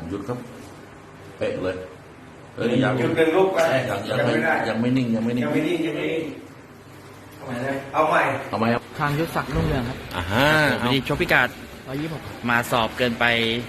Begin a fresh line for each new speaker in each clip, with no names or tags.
หยุดครับเป๊ะเลยยัง
จุดหนึ่งลูกไป
ยังไม่นิ่งยังไม่นิ่ง
เอาใหม่
เอาไหมครับ
ทางยุทธศักดิ์รุ่งเรืองครับ
วันนี้ชกพิกัด
126
มาสอบเกินไป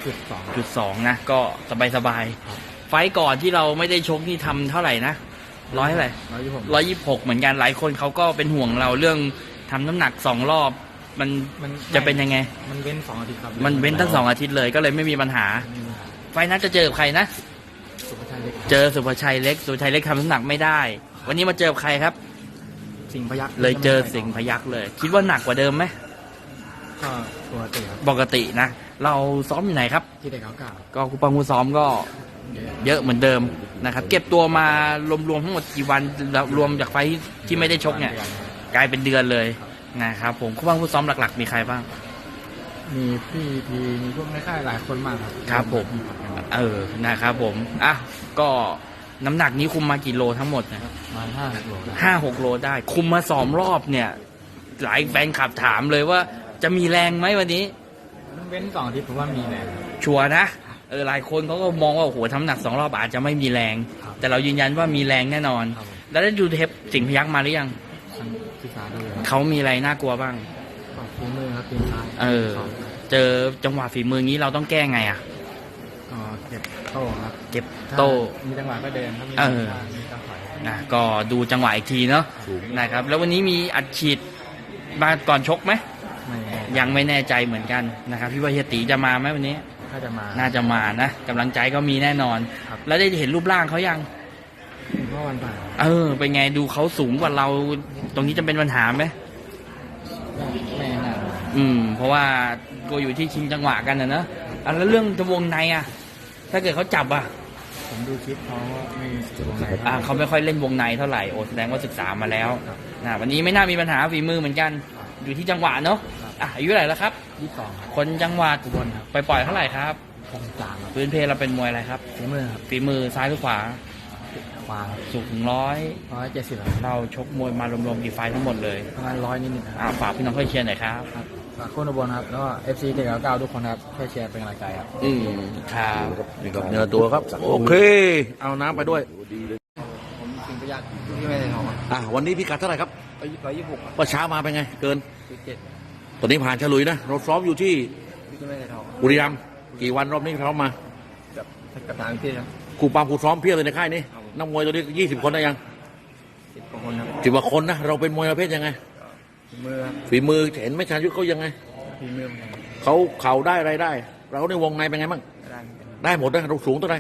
2
จุดสองนะก็สบายไฟต์ก่อนที่เราไม่ได้ชกนี่ทำเท่าไหร่นะร้อยเท่าไหร่
126
126เหมือนกันหลายคนเขาก็เป็นห่วงเราเรื่องทำน้ำหนัก2 รอบมันจะเป็นยังไง
มันเว้น2 อาทิตย์ครับ
มันเว้นทั้ง2 อาทิตย์เลยก็เลยไม่มีปัญหา ไฟล์นั้นจะเจอกับใครนะ
สุภชัยเล็ก
เจอสุภชัยเล็กทำน้ำหนักไม่ได้ วันนี้มาเจอกับใครครับ
สิงห์พยัคฆ์
เลยเจอสิงห์พยัคฆ์เลย คิดว่าหนักกว่าเดิมไหม
ก็ตัวเตะครับ
ปกตินะ เราซ้อมอยู่ไหนครับ
ที่เด็กเขาเก่า
ก็คูปังคูซ้อมก็เยอะเหมือนเดิมนะครับเก็บตัวมารวมๆทั้งหมดกี่วันแล้วรวมจากไฟล์ที่ไม่ได้ชกเนี่ยกลายเป็นเดือนเลยนะครับผมคูปังคูซ้อมหลักๆมีใครบ้าง
มีพี่พีมีพวกในค่ายหลายคนมากครับ
ครับผมนะครับผมอ่ะก็น้ำหนักนี้คุมมากี่โลทั้งหมดนะ
มา5 โล
5-6 โลได้ คุมมา2 รอบเนี่ยหลายแฟนคลับถามเลยว่าจะมีแรงไหมวันนี้
เว้น2 อาทิตย์ผมว่ามีแรงครับ
ชัวร์นะหลายคนเขาก็มองว่าโอ้โหทำน้ำหนัก2 รอบอาจจะไม่มีแรง
ครับ
แต่เรายืนยันว่ามีแรงแน่นอน
ครับผม
แล้วได้ดูเทปสิงห์พยัคฆ์มาหรือยัง
ครั้งที่สามด้วยครับ
เขามีอะไรน่ากลัวบ้าง
ก็ฝีมือครับตีนซ้าย
เจอจังหวะฝีมืองี้เราต้องแก้ไงอ่ะ
ก็เก็บโต้ครับ
เก็บโต้
ถ้ามีจังหวะก็เดินถ้ามี
เออ
มีจังหวะ
นะก็ดูจังหวะอีกทีเนาะนะครับแล้ววันนี้มีอัดฉีดมาก่อนชกไหม
ไม่แน่
ยังไม่แน่ใจเหมือนกันนะครับพี่ว่าเฮียตีจะมาไหมวันนี้
ถ้าจะมา
น่าจะมานะกำลังใจก็มีแน่นอน
ครับ
แล้วได้เห็นรูปร่างเขายัง
เมื่อวันผ่าน
เป็นไงดูเขาสูงกว่าเราตรงนี้จะเป็นปัญหาไหม
ไม่น่า
เพราะว่าก็อยู่ที่ชิงจังหวะกันนะเนอะแล้วเรื่องจะวงในอ่ะถ้าเกิดเขาจับอ่ะ
ผมดูคลิปเขาไม่วงใน
เขาไม่ค่อยเล่นวงในเท่าไหร่แสดงว่าศึกษามาแล้วนะวันนี้ไม่น่ามีปัญหาฝีมือเหมือนกัน อยู่ที่จังหวะเนาะอายุเท่าไหร่แล้วครับ
22ครับ
คนจังหวัด
อุบลครับ
ไปปล่อยเท่าไหร่ครับ
63ครับ
พื้นเพเราเป็นมวยอะไรครับ
ฝีมือครับ
ฝีมือซ้ายหรือขวา
ขวา
สูงถึง
170ครับ
เราชกมวยมารวมๆกี่ไฟล์ทั้งหมดเลย
ประมาณ100นิดๆครับ
ฝากพี่น้องช่วยเชียร์หน่อยครับ
ครับฝากคนอุบลครับแล้วก็ FC เด็กเก่าทุกคนครับช่วยแชร์เป็นกำลังใจครับ
ครับ
นี่ครับเนื้อตัวครับโอเคเอาน้ำไปด้วย
ผมสิงห์พยัคฆ์ที่ไม่ได้ทองครับ
วันนี้พี่กัดเท่าไหร่ครับ
126ครับ
ว่าเช้ามาเป็นไงเกิน
17
ตอนนี้ผ่านฉลุยนะเราซ้อมอยู่ที่
ที่ไม่ได้ทอง
บุรีรัมย์กี่วันรอบนี้ซ้อมมา
กับทางพี่ครับ
ครูปามครูซ้อมเพียบเลยในค่ายนี้นักมวยตัวนี้20 คนได้ยัง
10 กว่าคนครับ
10 กว่าคนนะเราเป็นมวยประเภทยังไง
ฝีมือครับ
ฝีมือเห็นไหม่ชาญยุทธเขายังไง
ฝีมือเหมือนกัน
เขาเข่าได้อะไรได้ เราในวงในเป็นไงบ้าง
ได้เหมือนกัน
ได้หมดนะเราสูงเท่าไหร่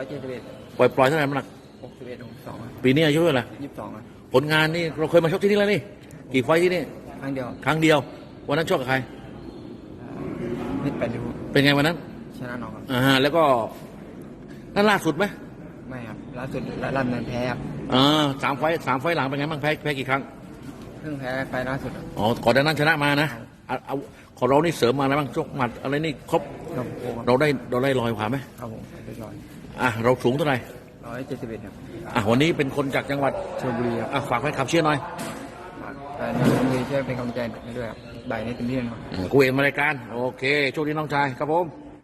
171
ปล่อยเท่าไหร่น้ำหนัก
61 62
ปีนี้อายุเท่าไหร่
22ครับ
ผลงานนี่เราเคยมาชกที่นี่แล้วนี่กี่ไฟท์ที่นี่
ครั้งเดียว
ครั้งเดียววันนั้นชกกับใคร
นิดแปดริ้ว
เป็นไงวันนั้น
ชนะน้องครับ
แล้วก็นั่นล่าสุดไหม
ไม่ครับล่าสุดลั่นนั้นแพ้ครับ
3 ไฟท์หลังเป็นไงบ้างแพ้กี่ครั้ง
เพิ่งแพ้ไฟล่าสุดครับ
อ๋อก่อนหน้านั้นชนะมานะเอาของเรานี่เสริมมาอะไรบ้างชกหมัดอะไรนี่ครบ
ครับผม
เราได้ลอยกว่าไหม
ครับผมเรียบร้อย
เราสูงเท่าไหร่
171ครับ
วันนี้เป็นคนจากจังหวัด
ชลบุรีครับ
ฝากแฟนคลับเชียร์หน่อย
ฝากแฟนชลบุรีช่วยเป็นกำลังใจให้ด้วยครับบ่ายนี้เต็มที่นะครับ
กูเองมารายการโอเคโชคดีน้องชายครับผม